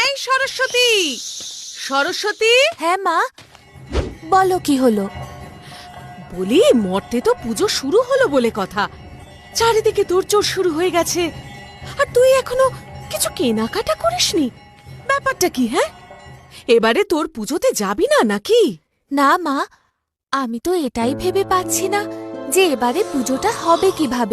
এই সরস্বতী, সরস্বতী। হ্যাঁ মা, বলো কি হলো? বলি মর্তে তো পুজো শুরু হলো বলে কথা, চারিদিকে তোড়জোড় শুরু হয়ে গেছে, আর তুই এখনো কিছু কেনাকাটা করিসনি। ব্যাপারটা কি? হ্যাঁ, এবারে তোর পুজোতে যাবি না নাকি? না মা, আমি তো এটাই ভেবে পাচ্ছি না যে এবারে পুজোটা হবে কিভাবে।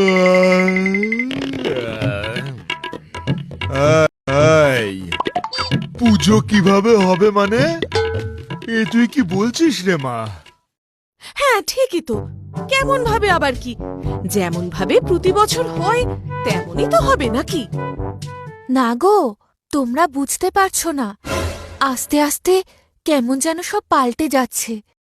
পুজো কিভাবে হবে মানে? এ তুই কি বলছিস রে মা? হ্যাঁ ঠিকই তো, কেমন ভাবে আবার কি? যেমন ভাবে প্রতি বছর হয় তেমনই তো হবে নাকি? না গো, তোমরা বুঝতে পারছো না, আস্তে আস্তে কেমন যেন সব পাল্টে যাচ্ছে।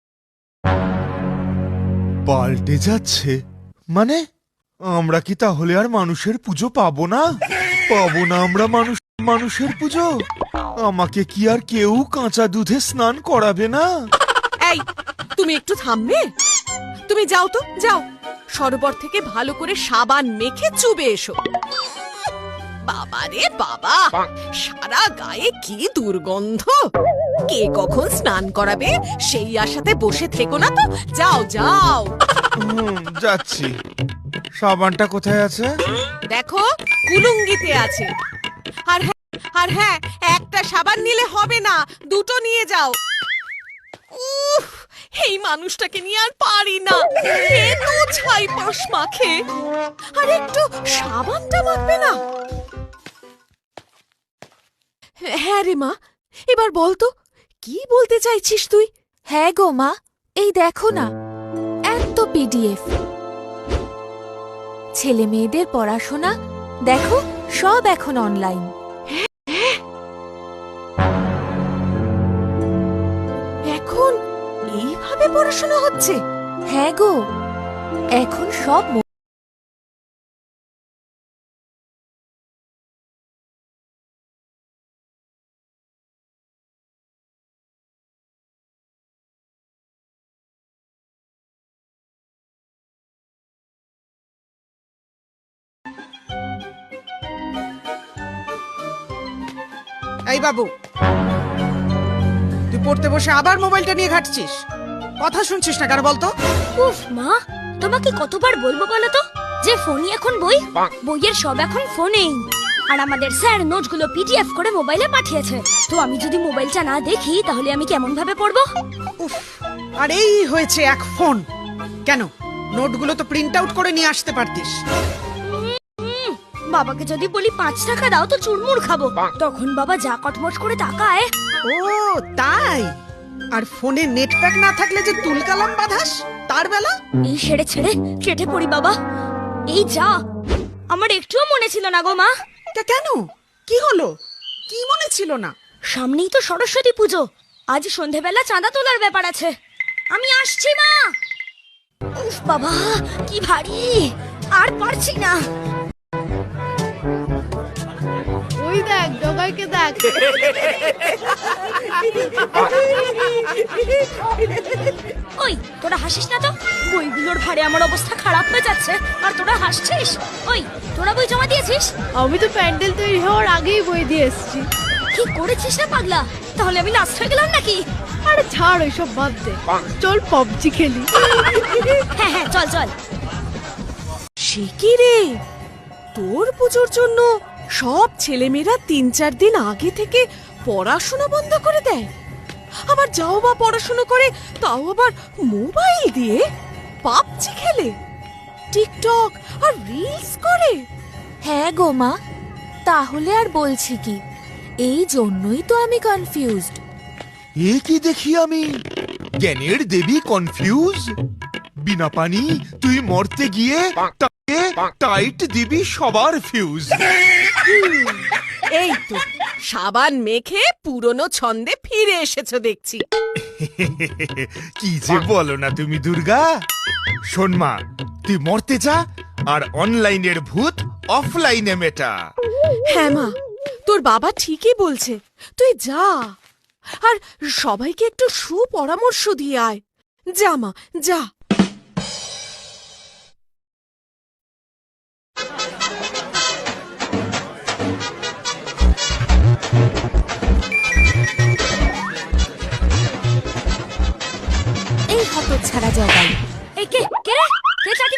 পাল্টে যাচ্ছে মানে? আমরা কি তাহলে আর মানুষের পুজো পাবো না? পাবো না আমরা মানুষের পুজো? আমাকে কি আর কেউ কাঁচা দুধে স্নান করাবে না? এই, তুমি একটু থামবে? তুমি যাও তো, যাও সরোবর থেকে ভালো করে সাবান মেখে চুবে এসো। বাবা রে বাবা, সারা গায়ে কি দুর্গন্ধ! কে কখন স্নান করাবে সেই আশাতে বসে থেকো না তো, যাও যাও। যাচ্ছি। সাবানটা কোথায় আছে? দেখো, কুলুঙ্গিতে আছে। আর হ্যাঁ, একটা সাবান নিলে হবে না, দুটো নিয়ে যাও। উফ, এই মানুষটাকে নিয়ে আর পারি না, এত ছাই পাশ মাখে, আর একটু সাবানটা মাখবে না। হ্যাঁ রে মা, এবার বল তো, কি বলতে চাইছিস তুই? হ্যাঁ গো মা, এই দেখো না, এত পিডিএফ। ছেলে মেয়েদের পড়াশোনা দেখো, সব এখন অনলাইন। এখন এইভাবে পড়াশোনা হচ্ছে? হ্যাঁ গো, এখন সব এই বাবু, তুই পড়তে বসে আবার মোবাইলটা নিয়ে ঘাটছিস, কথা শুনছিস না কেন বলতো? উফ মা, তোমাকে কতবার বলবো বলো তো যে ফোনই এখন বই, বইয়ের সব এখন ফোনেই। আর আমাদের স্যার নোটগুলো পিডিএফ করে মোবাইলে পাঠিয়েছে, তো আমি যদি মোবাইলটা না দেখি তাহলে আমি কেমন ভাবে পড়বো? উফ, আর এই হয়েছে এক ফোন। কেন, নোটগুলো তো প্রিন্ট আউট করে নিয়ে আসতে পারতিস। বাবাকে যদি বলি 5 টাকা দাও তো চুরমুর খাবো, তখন বাবা যা কটমট করে তাকায়। ও তাই? আর ফোনে নেট প্যাক না থাকলে যে তুলকালাম বাঁধাস তার বেলা? এই ছেড়ে ছেড়ে কেটে পড়ি বাবা, এই যা। আমার একটুও মনে ছিল না গো মা। তা কেন, কি হলো? কি মনে ছিল না? সামনেই তো সরস্বতী পুজো, আজ সন্ধেবেলা চাঁদা তোলার ব্যাপার আছে। আমি আসছি মা। উফ বাবা, কি ভারী, আর পারছি না। ওই দেখ, জগাইকে দেখ। ওই তোরা হাসিস না তো, বইগুলোর ভারে আমার অবস্থা খারাপ হয়ে যাচ্ছে, আর তোরা হাসছিস। ওই তোরা বই জমা দিয়েছিস? আমি তো প্যান্ডেল তৈরি হওয়ার আগেই বই দিয়ে এসেছি। কি করেছিস না পাগলা? তাহলে আমি লাস্ট হয়ে গেলাম নাকি? আরে ছাড়, ওইসব বাদ দে, চল পাবজি খেলি। হ্যাঁ হ্যাঁ, চল চল। সে কি রে, তোর পুজোর জন্য সব ছেলেমেয়েরা 3-4 দিন আগে থেকে পড়াশোনা বন্ধ করে দেয়, আবার যাও বা পড়াশোনা করে তাও আবার মোবাইল দিয়ে পাবজি খেলে, টিকটক আর রিলস করে। হ্যাঁ গো মা, তাহলে আর বলছি কি, এই জন্যই তো আমি কনফিউজড। এ কি দেখি আমি, জ্ঞানের দেবী কনফিউজ? বিনা পানি তুই মরতে গিয়ে তাকে টাইট দিবি সবার ফিউজ। এই তো সাবান মেখে পুরনো ছন্দে ফিরে এসেছো দেখছি। কি যে বলো না তুমি দুর্গা। শোন মা, তুই মরতে যা, আর অনলাইনের ভূত অফলাইনে মেটা। হ্যাঁ মা, তোর বাবা ঠিকই বলছে, তুই যা, আর সবাইকে একটু সুপরামর্শ দিয়ে আয়। যা মা, যা। হতচ্ছাড়া জগাই। এই কে কে রে কে চাটি